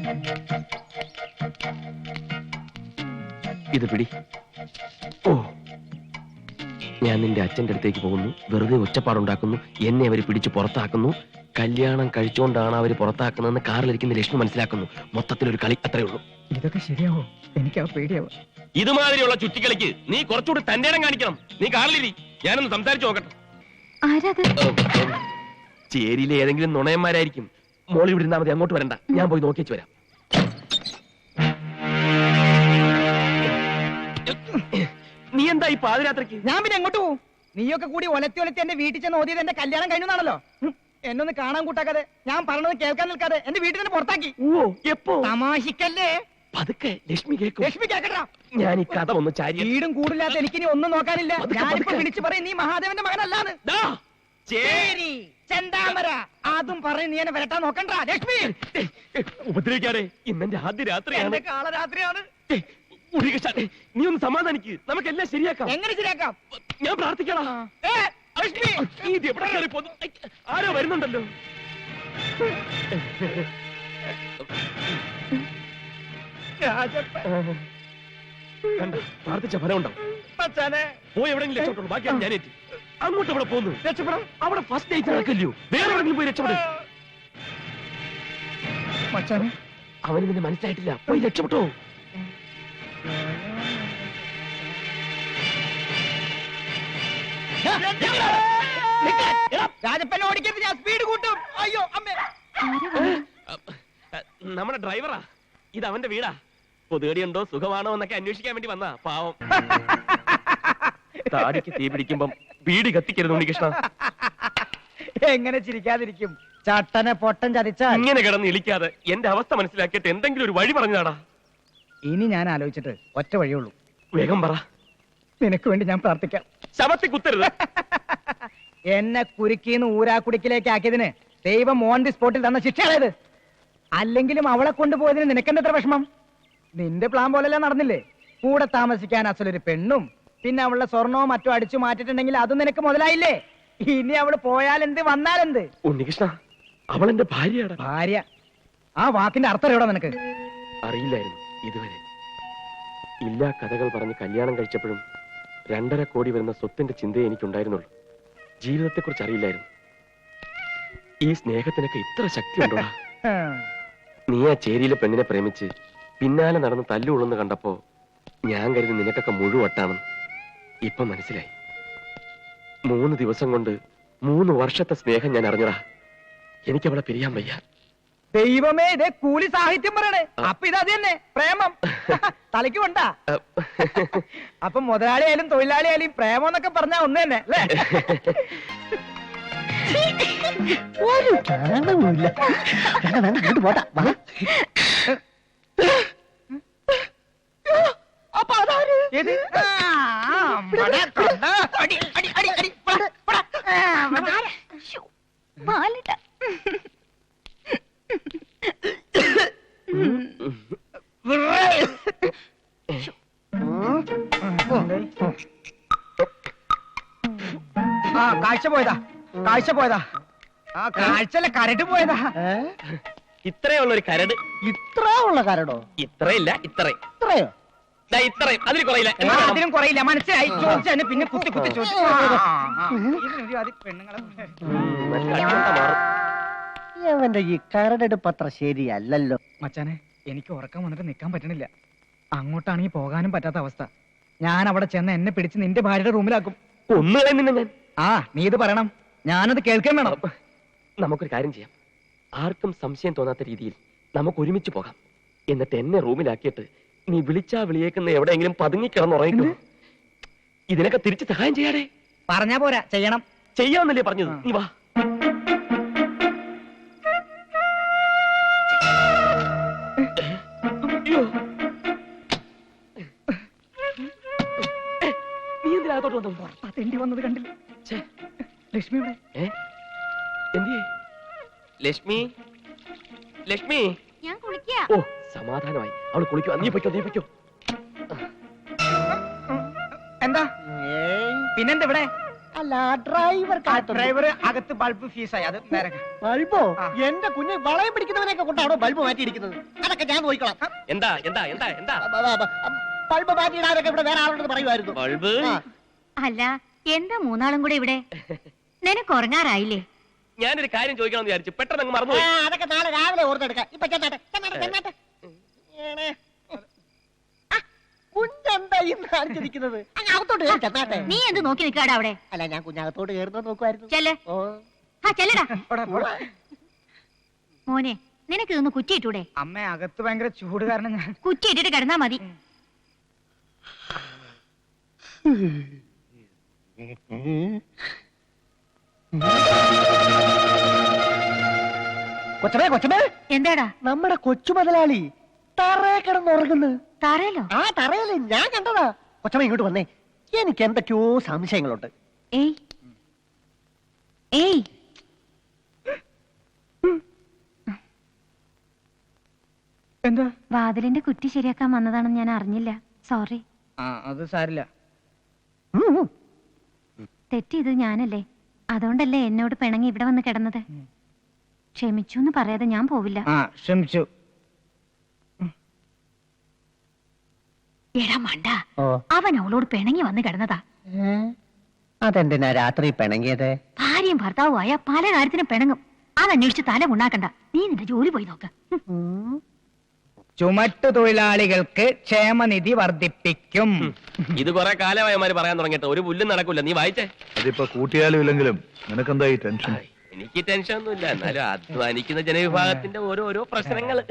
Speaker 7: ഇത് പിടി. ഓ, ഞാൻ നിന്റെ അച്ഛന്റെ അടുത്തേക്ക് പോകുന്നു. വെറുതെ ഒച്ചപ്പാടുണ്ടാക്കുന്നു. എന്നെ അവര് പിടിച്ച് പുറത്താക്കുന്നു. കല്യാണം കഴിച്ചുകൊണ്ടാണ് അവര് പുറത്താക്കുന്നതെന്ന് കാറിലിരിക്കുന്ന ലക്ഷ്മി മനസ്സിലാക്കുന്നു. മൊത്തത്തിലൊരു കളി, അത്രേ ഉള്ളൂ.
Speaker 6: ഇതൊക്കെ ശരിയാവോ? എനിക്ക് പേടിയാവും.
Speaker 7: ഇതുമാതിരിയുള്ള ചുറ്റിക്കളിക്ക് നീ കുറച്ചുകൂടി തന്റെ ഇടം കാണിക്കണം. നീ കാറിലിരി, ഞാനൊന്ന് സംസാരിച്ചു നോക്കട്ടെ.
Speaker 5: ആരാത്?
Speaker 7: ചേരിയിലെ ഏതെങ്കിലും നുണയന്മാരായിരിക്കും. മോളി ഇവിടെ ഇരുന്നാ മതി, അങ്ങോട്ട് വരണ്ട. ഞാൻ പോയി നോക്കിച്ചു വരാം. നീ എന്താ ഈ പാതിരാത്രിക്ക്?
Speaker 6: ഞാൻ പിന്നെ എങ്ങോട്ട് പോകും? നീയൊക്കെ കൂടി ഒലത്തി എന്റെ വീട്ടിൽ ചെന്ന് ഓതിയത് എന്റെ കല്യാണം കഴിഞ്ഞാണല്ലോ. എന്നൊന്ന് കാണാൻ കൂട്ടാക്കാതെ, ഞാൻ പറഞ്ഞത് കേൾക്കാൻ നിൽക്കാതെ എന്റെ വീട്ടിൽ തന്നെ പുറത്താക്കി.
Speaker 7: ഓ, എപ്പോ?
Speaker 6: തമാശിക്കല്ലേ?
Speaker 7: പതുക്കെ, ലക്ഷ്മി കേൾക്കും.
Speaker 6: ലക്ഷ്മി കേക്കട്ടാ.
Speaker 7: ഞാൻ ഈ കഥ ഒന്ന് ചാരി.
Speaker 6: വീടും കൂടില്ലാത്ത എനിക്കിനി ഒന്നും നോക്കാനില്ല. ഞാനിപ്പോ വിളിച്ചു പറയും നീ മഹാദേവന്റെ മകനല്ലാന്ന്. ചേരി, ചെന്താമര, അതും പറയും നീ എന്നെ വരട്ടാൻ നോക്കണ്ട. ലക്ഷ്മി
Speaker 7: ഉപദ്രവിക്കാതെ, ഇന്നെന്റെ ആദ്യ രാത്രിയാണ്.
Speaker 6: എന്റെ കാളരാത്രിയാണ്.
Speaker 7: നീ ഒന്ന് സമാധാനിക്ക്, നമുക്കെല്ലാം ശരിയാക്കാം.
Speaker 6: എങ്ങനെ ശരിയാക്കാം?
Speaker 7: ഞാൻ പ്രാർത്ഥിക്കണം.
Speaker 6: ലക്ഷ്മി,
Speaker 7: ഇത് എവിടെ കയറി പോന്നു? ആരോ വരുന്നുണ്ടല്ലോ. കണ്ട, പ്രാർത്ഥിച്ച ഫലം ഉണ്ടാവും. പോയി എവിടെയെങ്കിലും രക്ഷപ്പെട്ടുള്ളൂ. ബാക്കിയാണ് ഞാൻ ഏറ്റി. അങ്ങോട്ട് അവിടെ പോന്നു.
Speaker 6: രക്ഷപ്പെടാം.
Speaker 7: അവിടെ ഫസ്റ്റ് നൈറ്റ് നടക്കല്ലോ. വേറെ എവിടെയെങ്കിലും പോയി രക്ഷപ്പെടും. അവന് നിന്നെ മനസ്സിലായിട്ടില്ല. പോയി രക്ഷപ്പെട്ടോ.
Speaker 6: രാജപ്പൻ ഓടിക്കരുത്, ഞാൻ സ്പീഡ് കൂട്ടും. അയ്യോ അമ്മേ.
Speaker 7: നമ്മുടെ ഡ്രൈവറാ. ഇത് അവന്റെ വീടാ. പൊതുകടിയുണ്ടോ, സുഖമാണോ എന്നൊക്കെ അന്വേഷിക്കാൻ വേണ്ടി വന്നാ. പാവം. താടിക്ക് തീ പിടിക്കുമ്പം വീട് കത്തിക്കരുത് ഉണ്ണികൃഷ്ണ.
Speaker 6: എങ്ങനെ ചിരിക്കാതിരിക്കും? ചട്ടനെ പൊട്ടൻ ചതിച്ചാൽ.
Speaker 7: ഇങ്ങനെ കിടന്ന് ഇളിക്കാതെ എന്റെ അവസ്ഥ മനസ്സിലാക്കിയിട്ട് എന്തെങ്കിലും ഒരു വഴി പറഞ്ഞാടാ.
Speaker 6: ഇനി ഞാൻ ആലോചിച്ചിട്ട് ഒറ്റ വഴിയുള്ളൂ.
Speaker 7: വേഗം പറ.
Speaker 6: നിനക്ക് വേണ്ടി ഞാൻ പ്രാർത്ഥിക്കാം.
Speaker 7: ശവത്തി കുത്തരുത്.
Speaker 6: എന്നെ കുരുക്കിന്ന് ഊരാക്കുടിക്കിലേക്ക് ആക്കിയതിന് ദൈവം ഓൺ ദി സ്പോട്ടിൽ തന്ന ശിക്ഷയാണത്. അല്ലെങ്കിലും അവളെ കൊണ്ടുപോയതിന് നിനക്കെന്താ എത്ര വിഷമം? നിന്റെ പ്ലാൻ പോലെയല്ല നടന്നില്ലേ? കൂടെ താമസിക്കാൻ അസലൊരു പെണ്ണും, പിന്നെ അവളുടെ സ്വർണവും മറ്റോ അടിച്ചു മാറ്റിട്ടുണ്ടെങ്കിൽ അതും നിനക്ക് മുതലായില്ലേ? ഇനി അവള് പോയാലെന്ത് വന്നാലെന്ത്?
Speaker 7: ഉണ്ണികൃഷ്ണ, അവൾ എന്റെ ഭാര്യയാണ്.
Speaker 6: ഭാര്യ? ആ വാക്കിന്റെ അർത്ഥം എവിടെ നിനക്ക്?
Speaker 7: അറിയില്ലായിരുന്നു ഇതുവരെ. ഇല്ലാ കഥകൾ പറഞ്ഞ് കല്യാണം കഴിച്ചപ്പോഴും 2.5 കോടി വരുന്ന സ്വത്തിന്റെ ചിന്തയെ എനിക്കുണ്ടായിരുന്നുള്ളൂ. ജീവിതത്തെക്കുറിച്ച് അറിയില്ലായിരുന്നു. ഈ സ്നേഹത്തിനൊക്കെ ഇത്ര ശക്തി ഉണ്ടോടാ? നീ ആ ചേരിയിലെ പെണ്ണിനെ പ്രേമിച്ച് പിന്നാലെ നടന്ന് തല്ലുകൊള്ളുന്ന കണ്ടപ്പോ ഞാൻ കരുതി നിനക്കൊക്കെ മുഴുവട്ടാണെന്ന്. ഇപ്പൊ മനസ്സിലായി. 3 ദിവസം കൊണ്ട് 3 വർഷത്തെ സ്നേഹം ഞാൻ അറിഞ്ഞടാ. എനിക്കവളെ പിരിയാൻ വയ്യ.
Speaker 6: ദൈവമേ, ഇതേ കൂലി സാഹിത്യം പറയണേ. അപ്പൊ ഇതത് തന്നെ പ്രേമം. തലയ്ക്ക് കൊണ്ടാ. അപ്പൊ മുതലാളിയായാലും തൊഴിലാളിയായാലും പ്രേമം എന്നൊക്കെ പറഞ്ഞാ ഒന്ന് തന്നെ അല്ലേ? ഒരു കാരണവുമില്ല. അപ്പൊ അതാര്?
Speaker 5: ബാലേട്ട,
Speaker 6: കാഴ്ച പോയതാ, കാഴ്ച പോയതാ. ആ കാഴ്ചല്ല, കരട് പോയതാ.
Speaker 7: ഇത്രയുള്ള ഒരു കരട്.
Speaker 6: ഇത്ര ഉള്ള കരടോ?
Speaker 7: ഇത്രയില്ല, ഇത്രയും.
Speaker 6: ഇത്രയോ?
Speaker 7: ഇത്രയും, അതിൽ കുറയില്ല.
Speaker 6: അതിനും കുറയില്ല. മനസ്സിലായി. ചോദിച്ചു പിന്നെ കുത്തി കുത്തി ചോദിച്ചു. പെണ്ണുങ്ങളെ
Speaker 9: അവന്റെ ഈ കരടെടുപ്പ് അത്ര ശരിയല്ലല്ലോ.
Speaker 6: മച്ചാനെ, എനിക്ക് ഉറക്കം വന്നിട്ട് നിൽക്കാൻ പറ്റണില്ല. അങ്ങോട്ടാണെങ്കിൽ പോകാനും പറ്റാത്ത അവസ്ഥ. ഞാൻ അവിടെ ചെന്ന് എന്നെ പിടിച്ച് നിന്റെ ഭാര്യയുടെ റൂമിലാക്കും.
Speaker 7: ഒന്നുകളെ നിന്നെ ഞാൻ.
Speaker 6: നീ ഇത് പറയണം, ഞാനത് കേൾക്കാൻ വേണം.
Speaker 7: നമുക്കൊരു കാര്യം ചെയ്യാം. ആർക്കും സംശയം തോന്നാത്ത രീതിയിൽ നമുക്ക് ഒരുമിച്ച് പോകാം. എന്നിട്ട് എന്നെ റൂമിലാക്കിയിട്ട് നീ വിളിച്ചാ വിളിയേക്കുന്ന എവിടെയെങ്കിലും പതുങ്ങിക്കിടന്നുറങ്ങിക്കോ. ഇതിനൊക്കെ തിരിച്ച് സഹായം ചെയ്യാടേ.
Speaker 6: പറഞ്ഞാ പോരാ, ചെയ്യണം.
Speaker 7: ചെയ്യാന്നല്ലേ പറഞ്ഞത്? നീ വാ. നീ എന്തിനകത്തോട്ട് വന്നു?
Speaker 6: തെണ്ടി വന്നത് കണ്ടില്ല. ലക്ഷ്മി ഇവിടെ.
Speaker 7: ലക്ഷ്മി ലക്ഷ്മി.
Speaker 5: ഞാൻ കുളിക്കാ.
Speaker 7: ഓ സമാധാനമായി. അവള് കുളിക്കോ. നീ പൊയ്ക്കോ, നീ പൊയ്ക്കോ.
Speaker 6: എന്താ പിന്നെന്താ ഇവിടെ?
Speaker 9: അല്ല ഡ്രൈവർ
Speaker 6: ഡ്രൈവർ അകത്ത് ബൾബ് ഫീസായി. അത് നേരെ
Speaker 9: ബൾബോ?
Speaker 6: ആ.
Speaker 9: എന്റെ കുഞ്ഞ് വളയം പിടിക്കുന്നവനെയൊക്കെ കൊണ്ടാണോ ബൾബ് മാറ്റിയിരിക്കുന്നത്? അതൊക്കെ ഞാൻ നോക്കിക്കോളാം.
Speaker 7: എന്താ എന്താ എന്താ എന്താ
Speaker 9: ബൾബ് മാറ്റിയിടാനൊക്കെ ഇവിടെ വേറെ ആളോട് പറയുമായിരുന്നു.
Speaker 7: ബൾബ്?
Speaker 5: അല്ല എന്താ മൂന്നാളും കൂടെ ഇവിടെ? നിനക്ക് ഉറങ്ങാറായില്ലേ?
Speaker 7: ഞാനൊരു കാര്യം ചോദിക്കണം എന്ന് വിചാരിച്ചു, പെട്ടെന്ന് അങ്ങ്
Speaker 9: ആ,
Speaker 7: മറന്നുപോയി.
Speaker 9: അതൊക്കെ നാളെ രാവിലെ ഓർത്തെടുക്കാം. ഇപ്പൊ ചെന്നാട്ടെ. കുഞ്ഞെന്താ ഇന്ന് കാണിച്ചിരിക്കുന്നത്? അങ്ങ് അകത്തോട്ട് കയറി ചെന്നാട്ടെ.
Speaker 5: നീ എന്ത് നോക്കി നിൽക്കാടാ അവിടെ?
Speaker 9: അല്ല ഞാൻ കുഞ്ഞകത്തോട്ട് കയറുന്നത് നോക്കുമായിരുന്നു.
Speaker 5: ചെല്ല്.
Speaker 9: ഓ
Speaker 5: ചെല്ലടാ.
Speaker 6: പോടാ.
Speaker 5: മോനെ നിനക്ക് ഇതൊന്ന് കുറ്റിയിട്ടൂടെ?
Speaker 6: അമ്മ അകത്ത് ഭയങ്കര ചൂട് കാരണം ഞാൻ
Speaker 5: കുറ്റിയിട്ടിട്ട് കിടന്നാ മതി.
Speaker 9: കൊച്ചമേ
Speaker 5: എന്താടാ?
Speaker 9: നമ്മുടെ കൊച്ചു മുതലാളി തറയെ കിടന്നുറങ്ങുന്നു.
Speaker 5: തറയല്ലോ?
Speaker 9: ആ തറയല്ലേ, ഞാൻ കണ്ടതാ. കൊച്ചമ്മ ഇങ്ങോട്ട് വന്നേ, എനിക്ക് എന്തൊക്കെയോ സംശയങ്ങളുണ്ട്.
Speaker 5: ഏയ് ഏയ്
Speaker 6: എന്താ?
Speaker 5: വാതിലിന്റെ കുറ്റി ശരിയാക്കാൻ വന്നതാണെന്ന് ഞാൻ അറിഞ്ഞില്ല. സോറി.
Speaker 6: അത് സാരില്ല.
Speaker 5: തെറ്റിയത് ഞാനല്ലേ, അതുകൊണ്ടല്ലേ എന്നോട് പിണങ്ങി ഇവിടെ വന്ന് കിടന്നത്. ക്ഷമിച്ചു എന്ന് പറയാതെ ഞാൻ പോവില്ല.
Speaker 6: ക്ഷമിച്ചു.
Speaker 5: എടാ മണ്ട, അവൻ അവളോട് പിണങ്ങി വന്ന് കിടന്നതാ.
Speaker 9: അതെന്തിനാ രാത്രി പിണങ്ങിയത്?
Speaker 5: ഭാര്യയും ഭർത്താവും ആയ പല കാര്യത്തിനും പിണങ്ങും. അതന്വേഷിച്ച് തല ഉണ്ടാക്കണ്ട. നീ നിന്റെ ജോലി പോയി നോക്ക്.
Speaker 6: ചുമട്ടു തൊഴിലാളികൾക്ക് ക്ഷേമനിധി വർദ്ധിപ്പിക്കും.
Speaker 7: ഇത് കുറെ കാലമായമാര് പറയാൻ തുടങ്ങിയിട്ട് ഒരു പുല്ലും നടക്കൂല. നീ വായിച്ചേ.
Speaker 10: അതിപ്പോ കൂട്ടിയാലും ഇല്ലെങ്കിലും നിനക്കെന്താ ഈ ടെൻഷൻ?
Speaker 7: എനിക്ക് ടെൻഷൻ ഒന്നുമില്ല, എന്നാലും അധ്വാനിക്കുന്ന ജനവിഭാഗത്തിന്റെ ഓരോരോ പ്രശ്നങ്ങള്.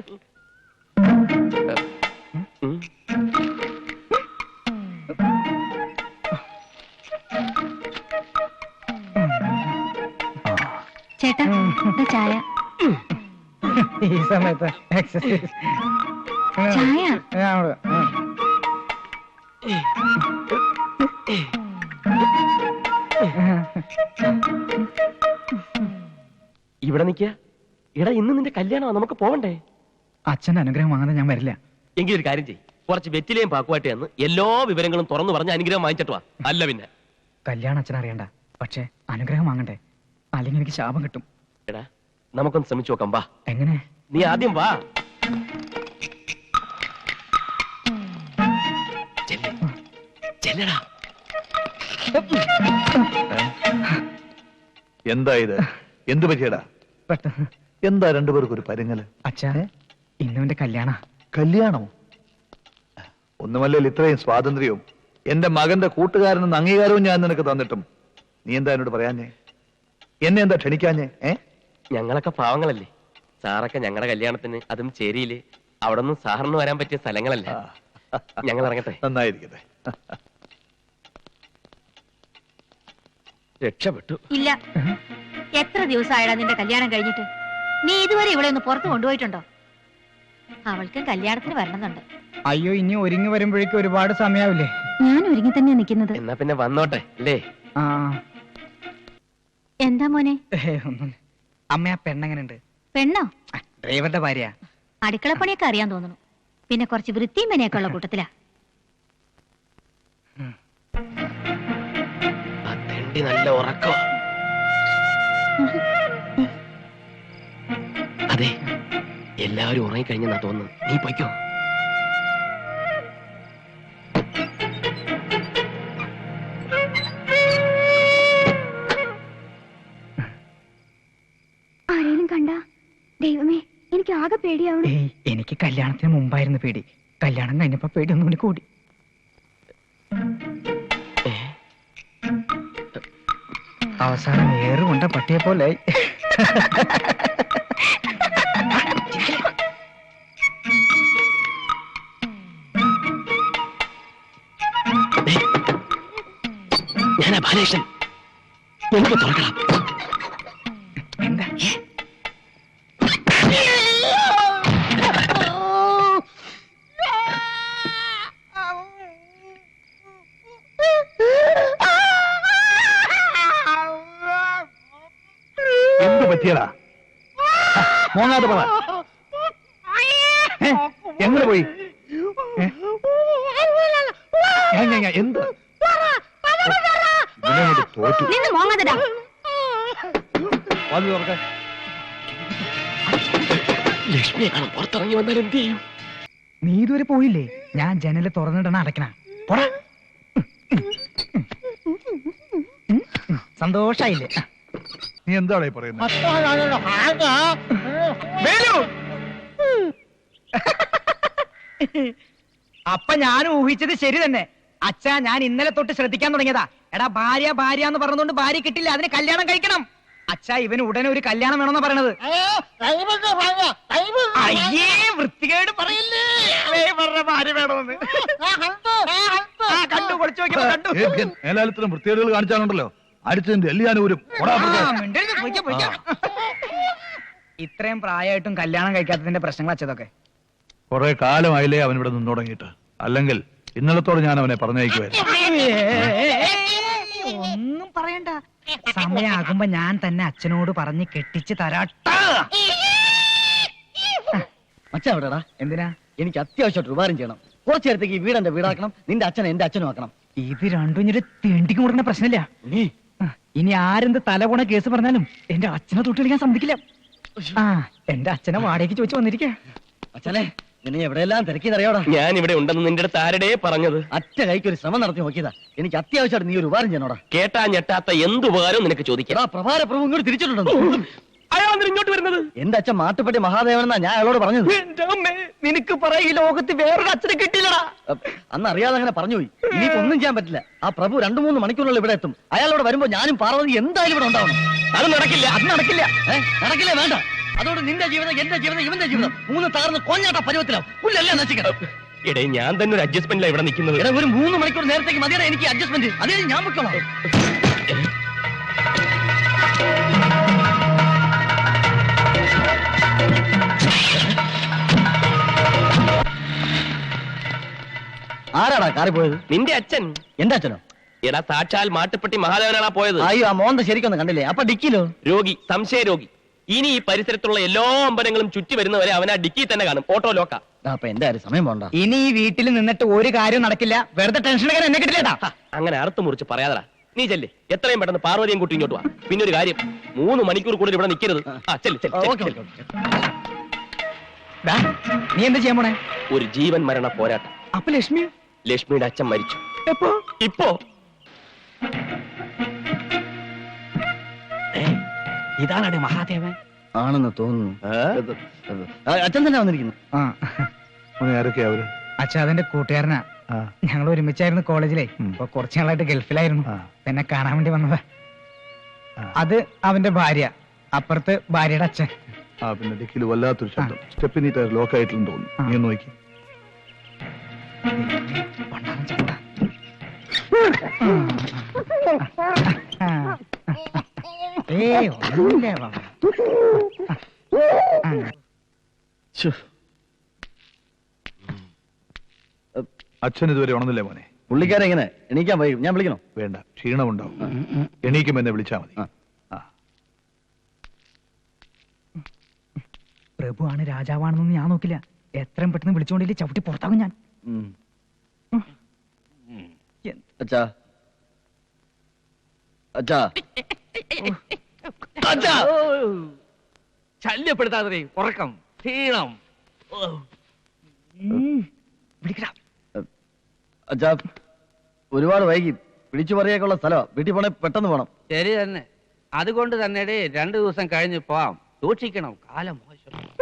Speaker 5: ചേട്ടാ ഇത് ചായ.
Speaker 6: ഈ സമയത്ത് എക്സസൈസ്
Speaker 5: ചായ.
Speaker 7: ഇവിടെ നിക്ക. എടാ ഇന്ന് നിന്റെ കല്യാണമാ, നമുക്ക് പോവണ്ടേ?
Speaker 6: അച്ഛന്റെ അനുഗ്രഹം വാങ്ങാതെ ഞാൻ വരില്ല.
Speaker 7: എങ്കിലും ഒരു കാര്യം ചെയ്യ്, കുറച്ച് വെറ്റിലയും പാക്കുവാട്ടെ എന്ന് എല്ലാ വിവരങ്ങളും തുറന്നു പറഞ്ഞ് അനുഗ്രഹം വാങ്ങിച്ചിട്ട് വാ. അല്ല പിന്നെ
Speaker 6: കല്യാണം അച്ഛൻ അറിയണ്ട, പക്ഷെ അനുഗ്രഹം വാങ്ങണ്ടേ, അല്ലെങ്കിൽ എനിക്ക് ശാപം കിട്ടും.
Speaker 7: എടാ നമുക്കൊന്ന് ശ്രമിച്ചു നോക്കാം. വാ.
Speaker 6: എങ്ങനെ?
Speaker 7: നീ ആദ്യം വാ. ചെല്ലടാ.
Speaker 10: എന്താ ഇത്? എന്ത് പറ്റിയടാ?
Speaker 6: പെട്ടെന്ന്
Speaker 10: എന്താ രണ്ടുപേർക്കും ഒരു പരുങ്ങല്?
Speaker 6: അച്ഛാ ഇന്നുവിന്റെ കല്യാണ.
Speaker 10: കല്യാണോ? ഒന്നുമല്ലേ ഇത്രയും സ്വാതന്ത്ര്യവും എന്റെ മകന്റെ കൂട്ടുകാരനെന്ന് അംഗീകാരവും ഞാൻ നിനക്ക് തന്നിട്ടും നീ എന്താ എന്നോട് പറയാഞ്ഞേ? എന്നെ എന്താ ക്ഷണിക്കാഞ്ഞേ?
Speaker 7: ഞങ്ങളൊക്കെ പാവങ്ങളല്ലേ. സാറൊക്കെ ഞങ്ങളുടെ കല്യാണത്തിന്, അതും ചേരിയില്, അവിടെ നിന്ന് സാറിന് വരാൻ പറ്റിയ സ്ഥലങ്ങളല്ല. ഞങ്ങൾ ഇറങ്ങട്ടെ.
Speaker 10: നന്നായിരിക്കട്ടെ.
Speaker 7: രക്ഷപ്പെട്ടു.
Speaker 5: ഇല്ല, എത്ര ദിവസമായടാ നിന്റെ കല്യാണം കഴിഞ്ഞിട്ട്? നീ ഇതുവരെ ഇവിടെ ഒന്ന് പുറത്ത് കൊണ്ടുപോയിട്ടുണ്ടോ? അവൾക്ക് കല്യാണത്തിന് വരണമെന്നുണ്ട്.
Speaker 6: അയ്യോ, ഇനി ഒരുങ്ങി വരുമ്പോഴേക്കും ഒരുപാട് സമയാവില്ലേ?
Speaker 5: ഞാൻ ഒരുങ്ങി തന്നെയാ നിൽക്കുന്നത്.
Speaker 7: എന്നാ പിന്നെ വന്നോട്ടെ അല്ലേ?
Speaker 5: എന്താ മോനെ?
Speaker 6: ഒന്നും. അമ്മ ആ പെണ്ണെങ്ങനുണ്ട്?
Speaker 5: പെണ്ണോ?
Speaker 6: ഡ്രൈവറുടെ ഭാര്യ.
Speaker 5: അടുക്കളപ്പണിയൊക്കെ അറിയാൻ തോന്നുന്നു. പിന്നെ കുറച്ച് വൃത്തിയും മെനയൊക്കെ ഉള്ള കൂട്ടത്തിലാ.
Speaker 7: നല്ല ഉറക്കോ? അതെ, എല്ലാവരും ഉറങ്ങിക്കഴിഞ്ഞെന്നാ തോന്നുന്നു. നീ പൊയ്ക്കോ.
Speaker 5: ആരെയും കണ്ട? ദൈവമേ, എനിക്ക് ആകെ പേടിയാവണം.
Speaker 6: എനിക്ക് കല്യാണത്തിന് മുമ്പായിരുന്നു പേടി. കല്യാണം കഴിഞ്ഞപ്പോ പേടി ഒന്നും കൂടി കൂടി. അവസാനം ഏറുകൊണ്ട പട്ടിയെ പോലെ.
Speaker 7: ഞാനാ ബാലകൃഷ്ണൻ. എനിക്ക് തുറക്കണം.
Speaker 6: എന്താ?
Speaker 10: എന്ത് പറ്റിയടാ? മോങ്ങാതെ പറ. എങ്ങനെ പോയി? എന്ത് ഇവനെങ്ങോട്ട് തോറ്റു.
Speaker 5: നിന്ന് മോങ്ങാതെടാ.
Speaker 10: വാതിൽ തുറക്കാൻ.
Speaker 7: ലക്ഷ്മിയെ കാണാൻ പുറത്തിറങ്ങി വന്നാൽ എന്ത് ചെയ്യും?
Speaker 6: നീ ഇതുവരെ പോയില്ലേ? ഞാൻ ജനല് തുറന്നിടണ അടയ്ക്കണ. പോടാ. സന്തോഷായില്ലേ?
Speaker 10: നീ എന്താണ് ഈ പറയുന്നത്?
Speaker 6: അപ്പൊ ഞാൻ ഊഹിച്ചത് ശരി തന്നെ. അച്ഛാ, ഞാൻ ഇന്നലെ തൊട്ട് ശ്രദ്ധിക്കാൻ തുടങ്ങിയതാ. എടാ, ഭാര്യ ഭാര്യ എന്ന് പറഞ്ഞുകൊണ്ട് ഭാര്യ കിട്ടില്ല, അതിന് കല്യാണം കഴിക്കണം. അച്ഛാ, ഇവന് ഉടനെ ഒരു കല്യാണം വേണമെന്നാ പറയണത്. അയ്യേ, വൃത്തികേട് പറയില്ലേ. ഭാര്യ വേണമെന്ന് കണ്ടു, പൊളിച്ചു നോക്കിയപ്പോ കണ്ടു.
Speaker 10: മേലാലത്തിനും വൃത്തികേടുകൾ കാണിച്ചാലുണ്ടല്ലോ അടിച്ചതിന്റെ എല്ലാവരും
Speaker 6: ഇത്രയും പ്രായമായിട്ടും കല്യാണം കഴിക്കാത്തതിന്റെ പ്രശ്നങ്ങൾ അച്ഛതൊക്കെ.
Speaker 10: കുറെ കാലമായില്ലേ അവൻ ഇവിടെ നിന്ന് തുടങ്ങിയിട്ട്. അല്ലെങ്കിൽ ഇന്നലത്തോടെ ഞാൻ അവനെ പറഞ്ഞയക്കുമായിരുന്നു.
Speaker 6: ഒന്നും പറയണ്ട, സമയാകുമ്പോ ഞാൻ തന്നെ അച്ഛനോട് പറഞ്ഞ് കെട്ടിച്ച് തരാട്ട.
Speaker 9: അച്ഛാ എവിടെടാ?
Speaker 6: എന്തിനാ?
Speaker 9: എനിക്ക് അത്യാവശ്യമായിട്ട് ഉപകാരം ചെയ്യണം. കുറച്ചു നേരത്തേക്ക് ഈ വീട് എന്റെ വീടാക്കണം, നിന്റെ അച്ഛനെ എന്റെ അച്ഛനും ആക്കണം.
Speaker 6: ഇത് രണ്ടും ഇനി തെണ്ടിക്ക് കൊടുക്കുന്ന പ്രശ്നമില്ല. ഇനി ആരെന്ത് തലപോണ കേസ് പറഞ്ഞാലും എന്റെ അച്ഛനെ തൊട്ട് കളിക്കാൻ സമ്മതിക്കില്ല. ആ, എന്റെ അച്ഛനെ വാടകയ്ക്ക് ചോദിച്ചു വന്നിരിക്കാ.
Speaker 9: അച്ഛനെ, നിന്നെ എവിടെയെല്ലാം തിരക്കിയതറിയോടാ?
Speaker 7: ഞാൻ ഇവിടെ ഉണ്ടെന്ന് നിന്റെ അടുത്ത് ആരുടെ പറഞ്ഞത്?
Speaker 9: അറ്റ കൈക്ക് ഒരു ശ്രമം നടത്തി നോക്കിയതാ. എനിക്ക് അത്യാവശ്യമായിട്ട് നീ ഒരു ഉപകാരം ചെയ്യണോടാ.
Speaker 7: കേട്ടാ ഞെട്ടാത്ത എന്ത് ഉപകാരവും നിനക്ക് ചോദിക്കാം.
Speaker 9: പ്രഭാര പ്രഭു ഇങ്ങോട്ട് തിരിച്ചിട്ടുണ്ടോ?
Speaker 7: അയാൾ ഇങ്ങോട്ട് വരുന്നത്?
Speaker 9: എന്റെ അച്ഛൻ മാട്ടുപ്പെട്ടി മഹാദേവനെന്നാ ഞാൻ അയാളോട് പറഞ്ഞത്.
Speaker 6: നിനക്ക് പറയാ, ഈ ലോകത്ത് വേറൊരു അച്ഛനെ കിട്ടിയില്ലടാ.
Speaker 9: അന്ന് അറിയാതെ അങ്ങനെ പറഞ്ഞുപോയി. ഇനിയിപ്പോ ഒന്നും ചെയ്യാൻ പറ്റില്ല. ആ പ്രഭു 2-3 മണിക്കൂറിനുള്ളിൽ ഇവിടെ എത്തും. അയാളോട് വരുമ്പോ ഞാനും പാർവതി എന്തായാലും ഇവിടെ ഉണ്ടാവണം.
Speaker 7: അത് നടക്കില്ല.
Speaker 9: അത് നടക്കില്ല. നടക്കില്ലേ? വേണ്ട. അതോട് നിന്റെ ജീവിതം, എന്റെ ജീവിതം, ഇവന്റെ ജീവിതം 3 തകർന്ന് കൊഞ്ഞാട്ട പരുവത്തിലാവും. പുല്ലെല്ലാം നശിക്കണം.
Speaker 7: എടേ, ഞാൻ തന്നെ ഒരു അഡ്ജസ്റ്റ്മെന്റിലാണ് ഇവിടെ നിൽക്കുന്നത്.
Speaker 9: എടാ, ഒരു 3 മണിക്കൂർ നേരത്തേക്ക് മതിയാണ് എനിക്ക് അഡ്ജസ്റ്റ്മെന്റ്. അതേ ഞാൻ വെക്കണം. ആരാടാ കാറി പോയത്?
Speaker 7: നിന്റെ അച്ഛൻ.
Speaker 9: എന്റെ അച്ഛനോ?
Speaker 7: എടാ, സാക്ഷാൽ മാട്ടുപ്പെട്ടി മഹാദേവനാണ് പോയത്.
Speaker 9: അയ്യോ, ആ മോന്ത ശരിക്കൊന്നും കണ്ടില്ലേ? അപ്പൊ ഡിക്കിലോ?
Speaker 7: രോഗി, സംശയ രോഗി. ഇനി ഈ പരിസരത്തുള്ള എല്ലാ അമ്പലങ്ങളും ചുറ്റി വരുന്നവരെ അവൻ ആ ഡിക്കി തന്നെ കാണും. ഓട്ടോ ലോക്ക.
Speaker 9: അപ്പൊ എന്റെ കാര്യം സമയം പോണ്ട.
Speaker 6: ഇനി ഈ വീട്ടിൽ നിന്നിട്ട് ഒരു കാര്യം നടക്കില്ല. വെറുതെ ടെൻഷൻ എടുക്കാൻ എന്നെ കിട്ടില്ലേട്ടാ.
Speaker 7: അങ്ങനെ അറുത്ത് മുറിച്ച് പറയാതടാ. നീ ചെല്ലേ, എത്രയും പെട്ടെന്ന് പാർവതിയും കൂട്ടി ഇങ്ങോട്ട് വാ. പിന്നെ ഒരു കാര്യം, 3 മണിക്കൂർ കൂടുതൽ ഇവിടെ നിൽക്കരുത്.
Speaker 6: നീ എന്താ ചെയ്യാൻ പോണേ?
Speaker 7: ഒരു ജീവൻ മരണ പോരാട്ടം.
Speaker 6: അപ്പൊ ലക്ഷ്മി?
Speaker 7: ലക്ഷ്മിയുടെ അച്ഛൻ മരിച്ചു.
Speaker 6: എപ്പോ?
Speaker 7: ഇപ്പോ.
Speaker 6: ഇതാണ് മഹാദേവൻ
Speaker 9: ആണെന്ന് തോന്നുന്നു. അച്ഛൻ തന്നെ വന്നിരിക്കുന്നു.
Speaker 10: ആരൊക്കെയാ അവര്?
Speaker 6: അച്ഛാ, അതെന്റെ കൂട്ടുകാരനാ. ഞങ്ങൾ ഒരുമിച്ചായിരുന്നു കോളേജിലെ. ഇപ്പൊ കുറച്ചു നാളായിട്ട് ഗൾഫിലായിരുന്നു. എന്നെ കാണാൻ വേണ്ടി വന്നതാ. അത് അവന്റെ ഭാര്യ, അപ്പുറത്ത് ഭാര്യയുടെ അച്ഛൻ.
Speaker 10: പിന്നെ ഡിക്കിൽ വല്ലാത്തൊരു ശബ്ദം. സ്റ്റെപ്പിനി ടയർ ലോക്ക് ആയിട്ടുണ്ടെന്ന് തോന്നുന്നു. നീ ഒന്ന് നോക്കി. അച്ഛൻ ഇതുവരെ ഉണർന്നില്ലേ മോനെ?
Speaker 9: പുള്ളിക്കാരെ എങ്ങനെ എണീക്കാൻ വൈകും? ഞാൻ വിളിക്കണോ?
Speaker 10: വേണ്ട, ക്ഷീണമുണ്ടാവും. എണീക്കുമ്പോ എന്നെ വിളിച്ചാ മതി.
Speaker 6: പ്രഭുവാണ് രാജാവാണെന്നൊന്നും ഞാൻ നോക്കില്ല. എത്രയും പെട്ടെന്ന് വിളിച്ചുകൊണ്ടില്ലേ ചവിട്ടി പുറത്താകും ഞാൻ.
Speaker 9: അച്ഛാ, അച്ഛാ, അച്ഛാ,
Speaker 8: ശല്യപ്പെടുത്താതെ. ഉറക്കം, ക്ഷീണം.
Speaker 9: അച്ഛാ, ഒരുപാട് വൈകി. വിളിച്ചു പറയാനുള്ള സ്ഥലമാ. വീട്ടിൽ പോണേ പെട്ടെന്ന് പോണം.
Speaker 8: ശരി തന്നെ. അതുകൊണ്ട് തന്നെ 2 ദിവസം കഴിഞ്ഞ് പോവാം. സൂക്ഷിക്കണം, കാലം മോശം.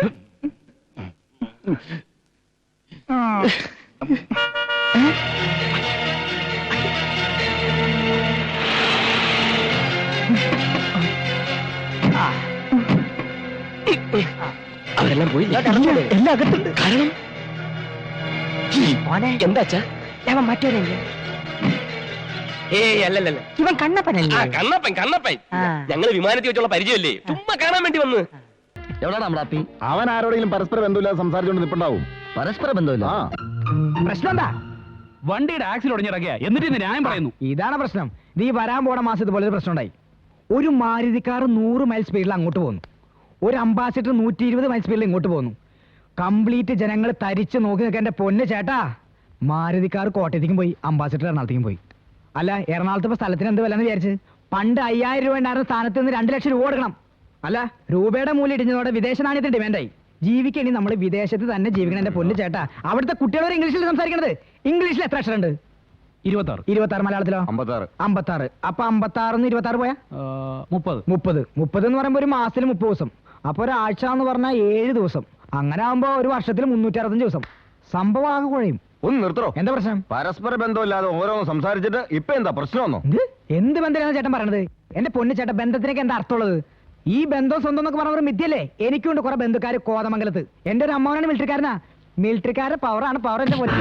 Speaker 7: അവരെല്ലാം പോയി.
Speaker 6: എല്ലാം അകത്തുണ്ട്.
Speaker 7: കാരണം എന്താ അച്ഛാ?
Speaker 6: അവൻ മറ്റൊരല്ലേ?
Speaker 7: ഏയ്, അല്ലല്ല,
Speaker 6: ഇവൻ കണ്ണപ്പനല്ലേ?
Speaker 7: കണ്ണപ്പൻ. ഞങ്ങള് വിമാനത്തിൽ വെച്ചുള്ള പരിചയമല്ലേ, ചുമ്മാ കാണാൻ വേണ്ടി വന്ന്.
Speaker 9: എവിടാണ് നമ്മളാപ്പി?
Speaker 3: അവൻ ആരോടെങ്കിലും പരസ്പര ബന്ധമില്ലാതെ സംസാരിച്ചുകൊണ്ട് നിൽപ്പുണ്ടാവും.
Speaker 9: പരസ്പര ബന്ധമില്ല.
Speaker 6: പ്രശ്നം എന്താ?
Speaker 4: വണ്ടിയുടെ ആക്സിൽ ഉടഞ്ഞിറങ്ങിയ എന്നിട്ട് ന്യായം പറയുന്നു.
Speaker 6: ഇതാണ് പ്രശ്നം. നീ വരാൻ പോണ മാസം ഇതുപോലെ ഒരു പ്രശ്നം ഉണ്ടായി. ഒരു മാരുതി കാർ 100 മൈൽ സ്പീഡിൽ അങ്ങോട്ട് പോകുന്നു. ഒരു അംബാസിഡർ 120 മൈൽ സ്പീഡിൽ ഇങ്ങോട്ട് പോകുന്നു. കംപ്ലീറ്റ് ജനങ്ങൾ തരിച്ചു നോക്കി നിൽക്കാൻ എന്റെ പൊന്ന് ചേട്ടാ. മാരുതിക്കാർ കോട്ടയത്തേക്കും പോയി, അംബാസിഡർ എറണാകുളത്തേക്കും പോയി. അല്ല, എറണാകുളത്ത് ഇപ്പൊ സ്ഥലത്തിന് എന്ത് വിലന്ന് വിചാരിച്ച്? പണ്ട് 5000 രൂപ ഉണ്ടായിരുന്ന സ്ഥാനത്ത് നിന്ന് 2 ലക്ഷം രൂപ കൊടുക്കണം. അല്ല, രൂപയുടെ മൂല്യം ഇടിഞ്ഞതോടെ വിദേശ നാണ്യത്തിന് ഡിമാൻഡായി. ജീവിക്കണി നമ്മൾ വിദേശത്ത് തന്നെ ജീവിക്കണം എന്റെ പൊന്ന് ചേട്ടാ. അവിടുത്തെ കുട്ടികളോട് ഇംഗ്ലീഷിൽ സംസാരിക്കണത്. ഇംഗ്ലീഷിൽ എത്ര അക്ഷരമുണ്ട്? 26. മലയാളത്തിലോ? 56. അപ്പൊ 56 26 പോയാ 30 എന്ന് പറയുമ്പോ ഒരു മാസത്തിൽ 30 ദിവസം. അപ്പൊ ഒരാഴ്ച എന്ന് പറഞ്ഞാൽ 7 ദിവസം. അങ്ങനെ ആകുമ്പോ ഒരു വർഷത്തിൽ 365 ദിവസം. സംഭവം ആകെ കുഴയും.
Speaker 3: ഒന്ന് നിർത്തോ.
Speaker 6: എന്താ പ്രശ്നം?
Speaker 3: പരസ്പര ബന്ധമില്ലാതെ ഓരോന്ന് സംസാരിച്ചിട്ട് ഇപ്പൊ എന്താ പ്രശ്നമൊന്നോ?
Speaker 6: എന്ത് ബന്ധമാണ് ചേട്ടൻ പറയണത്? എന്റെ പൊന്ന് ചേട്ടൻ, ബന്ധത്തിനൊക്കെ എന്താ അർത്ഥമുള്ളത്? ഈ ബന്ധം സ്വന്തം എന്നൊക്കെ പറഞ്ഞ മിഥ്യല്ലേ? എനിക്കുണ്ട് കുറെ ബന്ധുക്കാര് കോതമംഗലത്ത്. എന്റെ ഒരു അമ്മാവനാണ് മിലിറ്ററിക്കാരനാ. മിലിറ്ററിക്കാരുടെ പവറാണ് പവർ. എന്റെ പൊന്ന്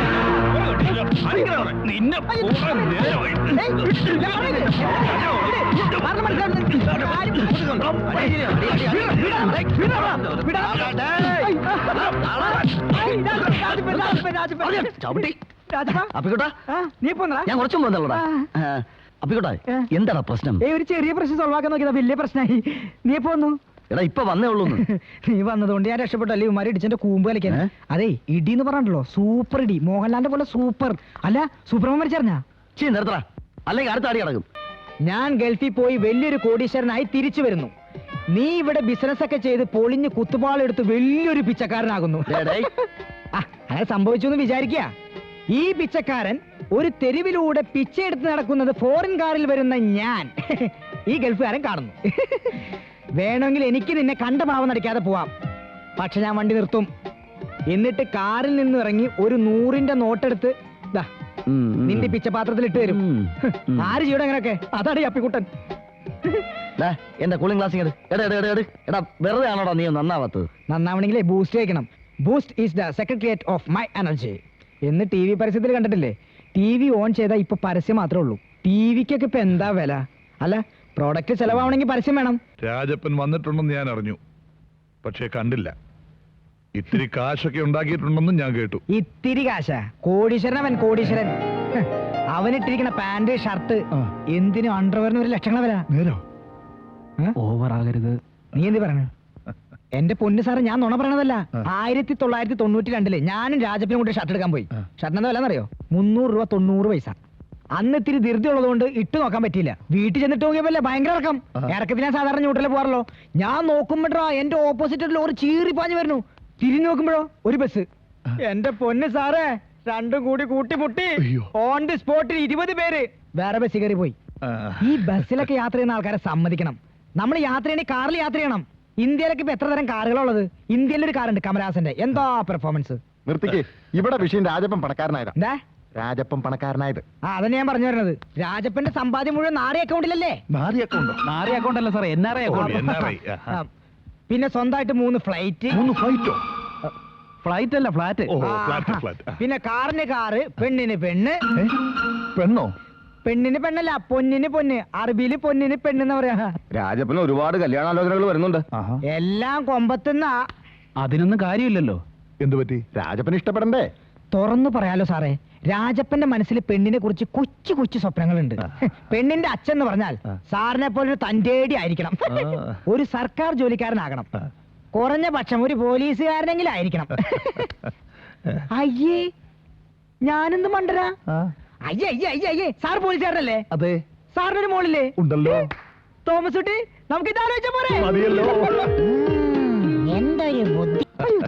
Speaker 6: നീ പോന്നാ?
Speaker 3: ഞാൻ കുറച്ചും പോന്നല്ലോടാ. അപ്പിക്കോട്ടെ, എന്താണ് പ്രശ്നം?
Speaker 6: ഒരു ചെറിയ പ്രശ്നം സോൾവ് ആക്കാൻ നോക്കിയതാ, വലിയ പ്രശ്നമായി. നീ പോന്നു?
Speaker 3: എടാ, ഇപ്പൊ വന്നേ ഉള്ളൂ.
Speaker 6: നീ വന്നതുകൊണ്ട് ഞാൻ രക്ഷപ്പെട്ടല്ലേ. ഇവന്മാരെ ഇടിച്ചെന്റെ കൂമ്പ് കളിക്കാൻ. അതെ, ഇടി എന്ന് പറഞ്ഞല്ലോ, സൂപ്പർ ഇടി. മോഹൻലാലിന്റെ പോലെ സൂപ്പർ. അല്ല, സൂപ്പർമാൻ മരിച്ചറിഞ്ഞാ?
Speaker 3: നിർത്തടാ, അല്ലെങ്കിൽ അടുത്ത അടി കിടക്കും.
Speaker 6: ഞാൻ ഗൾഫിൽ പോയി വലിയൊരു കോടീശ്വരനായി തിരിച്ചു വരുന്നു. നീ ഇവിടെ ബിസിനസ് ഒക്കെ ചെയ്ത് പൊളിഞ്ഞ് കുത്തുപാളെടുത്ത് വലിയൊരു പിച്ചക്കാരനാകുന്നു. അങ്ങനെ സംഭവിച്ചു എന്ന് വിചാരിക്കുക. ഈ പിച്ചക്കാരൻ ഒരു തെരുവിലൂടെ പിച്ചയെടുത്ത് നടക്കുന്നത് ഫോറിൻ കാറിൽ വരുന്ന ഞാൻ ഈ ഗൾഫുകാരൻ കാണുന്നു. വേണമെങ്കിൽ എനിക്ക് നിന്നെ കണ്ട ഭാവം നടിക്കാതെ പോവാം. പക്ഷെ ഞാൻ വണ്ടി നിർത്തും. എന്നിട്ട് കാറിൽ നിന്ന് ഇറങ്ങി ഒരു 100ന്റെ നോട്ടെടുത്ത് നിന്റെ പിച്ചപാത്രത്തിൽ ഇട്ട് തരും. ആര് ചെയ്യണം അങ്ങനെയൊക്കെ? അതാണ് ഈ അപ്പിക്കുട്ടൻ.
Speaker 3: എന്റെ കൂളിംഗ് ഗ്ലാസ് എടാ, വെറുതെ ആണോടാ നീ നന്നാവാത്തത്?
Speaker 6: നന്നാവണെങ്കിലേ ബൂസ്റ്റ് കഴിക്കണം. Boost is the secretariat of my energy എന്ന് TV പരസ്യത്തിൽ കണ്ടിട്ടില്ലേ? TV ഓൺ ചെയ്താൽ ഇപ്പൊ പരസ്യം മാത്രമേ ഉള്ളൂ. TVക്കൊക്കെ ഇപ്പൊ എന്താ വില? അല്ല, പ്രോഡക്റ്റ് ചെലവാവണമെങ്കിൽ പരസ്യം വേണം.
Speaker 10: രാജപ്പൻ വന്നിട്ടുണ്ടെന്ന് ഞാൻ അറിഞ്ഞു, പക്ഷേ കണ്ടില്ല. ഇത്തിരി കാശൊക്കെ ഉണ്ടാക്കിയിട്ടുണ്ടെന്നും ഞാൻ കേട്ടു.
Speaker 6: ഇത്തിരി കാശാ? കോടീശ്വരൻ അവൻ, കോടീശ്വരൻ. അവനിട്ടിരിക്കുന്ന പാന്റ് ഷർട്ട് എന്തിനും അണ്ടർവെയറിന് 1 ലക്ഷങ്ങളെ വില.
Speaker 10: നേരോ?
Speaker 6: ഓവർ ആകരുത്. നീ എന്ത് പറയണ? എന്റെ പൊന്ന് സാറ്, ഞാൻ നുണ പറയണതല്ല. 1992 ഞാനും രാജപ്പനും കൂടി ഷർട്ട് എടുക്കാൻ പോയി. ഷർട്ടിന് എന്താ വില എന്നറിയോ? 300 രൂപ 90 പൈസ. അന്ന് ഇത്തിരി ധൃതി ഉള്ളതുകൊണ്ട് ഇട്ട് നോക്കാൻ പറ്റിയില്ല. വീട്ടിൽ ചെന്നിട്ട് നോക്കിയപ്പോലെ ഭയങ്കര ഇറക്കം. ഇറക്കത്തിന് ഞാൻ സാധാരണ ന്യൂട്രലിൽ പോകാറല്ലോ. ഞാൻ നോക്കുമ്പോഴോ എന്റെ ഓപ്പോസിറ്റ് ലോറി ചീറി പാഞ്ഞു വരുന്നു. തിരിഞ്ഞു നോക്കുമ്പോഴോ ഒരു ബസ്. എന്റെ പൊന്ന് സാറേ, രണ്ടും കൂടി കൂട്ടിമുട്ടി. ഓൺ ദി സ്പോട്ടിൽ 20 പേര് വേറെ ബസ് കയറി പോയി. ഈ ബസ്സിലൊക്കെ യാത്ര ചെയ്യുന്ന ആൾക്കാരെ സമ്മതിക്കണം. നമ്മൾ യാത്ര ചെയ്യണേ കാറിൽ യാത്ര ചെയ്യണം. ഇന്ത്യയിലൊക്കെ ഇപ്പൊ എത്ര തരം കാറുകളുള്ളത്? ഇന്ത്യയിലൊരു കാറുണ്ട് കമലഹാസന്റെ. എന്താ പെർഫോമൻസ്!
Speaker 3: നിർത്തിക്ക്. ഇവിടെ വിഷയം രാജപ്പൻ പണക്കാരനായത്.
Speaker 6: എന്താ
Speaker 3: രാജപ്പൻ പണക്കാരനായത്?
Speaker 6: അതന്നെ ഞാൻ പറഞ്ഞു വരുന്നത്. രാജപ്പന്റെ സമ്പാദ്യം മുഴുവൻ നാരി അക്കൗണ്ടിലല്ലേ?
Speaker 10: നാരി അക്കൗണ്ട് അല്ല സാറേ, NRI അക്കൗണ്ട്.
Speaker 6: പിന്നെ സ്വന്തമായിട്ട് 3 ഫ്ലൈറ്റ്.
Speaker 10: 3 ഫ്ലൈറ്റോ?
Speaker 8: ഫ്ലൈറ്റ് അല്ല, ഫ്ലാറ്റ്.
Speaker 6: പിന്നെ കാറിന് കാറ്, പെണ്ണിന് പെണ്ണ്.
Speaker 10: പെണ്ണോ?
Speaker 6: പെണ്ണിന് പെണ്ണല്ല, പൊന്നിന് പൊന്ന്. അറബിയില് പൊന്നിന് പെണ്ണെന്ന് പറയാ.
Speaker 3: രാജപ്പന് ഒരുപാട് കല്യാണാലോചനകൾ വരുന്നുണ്ട്.
Speaker 6: എല്ലാം കൊമ്പത്തുന്ന.
Speaker 8: അതിനൊന്നും കാര്യമില്ലല്ലോ.
Speaker 10: എന്തു പറ്റി?
Speaker 3: രാജപ്പന് ഇഷ്ടപ്പെടണ്ടേ?
Speaker 6: തുറന്നു പറയാലോ സാറേ, രാജപ്പന്റെ മനസ്സിൽ പെണ്ണിനെ കുറിച്ച് കൊച്ചു കൊച്ചു സ്വപ്നങ്ങളുണ്ട്. പെണ്ണിന്റെ അച്ഛൻ എന്ന് പറഞ്ഞാൽ സാറിനെ പോലെ ഒരു തന്റേടി ആയിരിക്കണം. ഒരു സർക്കാർ ജോലിക്കാരനാകണം. കുറഞ്ഞ പക്ഷം ഒരു പോലീസുകാരനെങ്കിലും ആയിരിക്കണം. അയ്യേ, ഞാനെന്ത് മണ്ടരാ? അയ്യേ അയ്യേ അയ്യേ അയ്യേ, സാർ പോലീസുകാരനല്ലേ?
Speaker 10: അതെ.
Speaker 6: സാറിനൊരു മോളില്ലേ?
Speaker 10: ഉണ്ടല്ലോ.
Speaker 6: തോമസ് കുട്ടി, നമുക്ക് ഇത് ആലോചിച്ച പോരെ? എന്തൊരു ബുദ്ധി.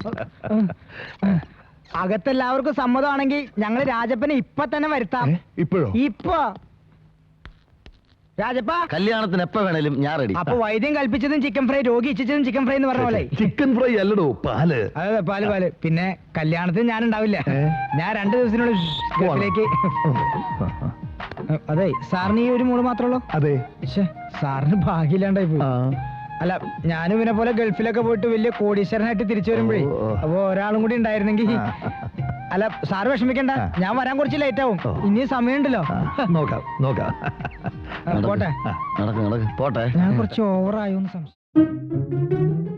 Speaker 6: അകത്തെല്ലാവർക്കും സമ്മതമാണെങ്കിൽ ഞങ്ങൾ രാജപ്പനെ ഇപ്പൊ തന്നെ വരുത്താം.
Speaker 10: ഇപ്പോഴോ?
Speaker 6: ഇപ്പൊ രാജപ്പ,
Speaker 3: കല്യാണത്തിന് എപ്പോ വേണേലും ഞാൻ റെഡി.
Speaker 6: അപ്പൊ വൈദ്യം കൽപ്പിച്ചതും ചിക്കൻ ഫ്രൈ, രോഗി ഇച്ഛിച്ചതും ചിക്കൻ ഫ്രൈ എന്ന് പറഞ്ഞ പോലെ.
Speaker 10: ചിക്കൻ ഫ്രൈ അല്ലടോ, പാല്.
Speaker 6: അതെ, പാല്. പിന്നെ കല്യാണത്തിന് ഞാൻ ഉണ്ടാവില്ല. ഞാൻ 2 ദിവസത്തിനുള്ളിൽ ഗൾഫിലേക്ക്. അതെ, സാറിന് ഈ ഒരു മോള് മാത്രമല്ലോ?
Speaker 10: അതെ.
Speaker 6: സാറിന് ഭാഗ്യമില്ലാണ്ടായി പോയി. അല്ല, ഞാനും ഇവനെ പോലെ ഗൾഫിലൊക്കെ പോയിട്ട് വലിയ കോടീശ്വരനായിട്ട് തിരിച്ചു വരുമ്പോഴേ അപ്പൊ ഒരാളും കൂടി ഉണ്ടായിരുന്നെങ്കിൽ. അല്ല, സാറ് വിഷമിക്കണ്ട, ഞാൻ വരാൻ കുറച്ച് ലേറ്റ് ആവും. ഇനിയും സമയമുണ്ടല്ലോ.
Speaker 10: നോക്കാം.
Speaker 6: പോട്ടെ.
Speaker 3: പോട്ടെ.
Speaker 6: ഞാൻ കുറച്ച് ഓവറായോന്ന് സംശയം.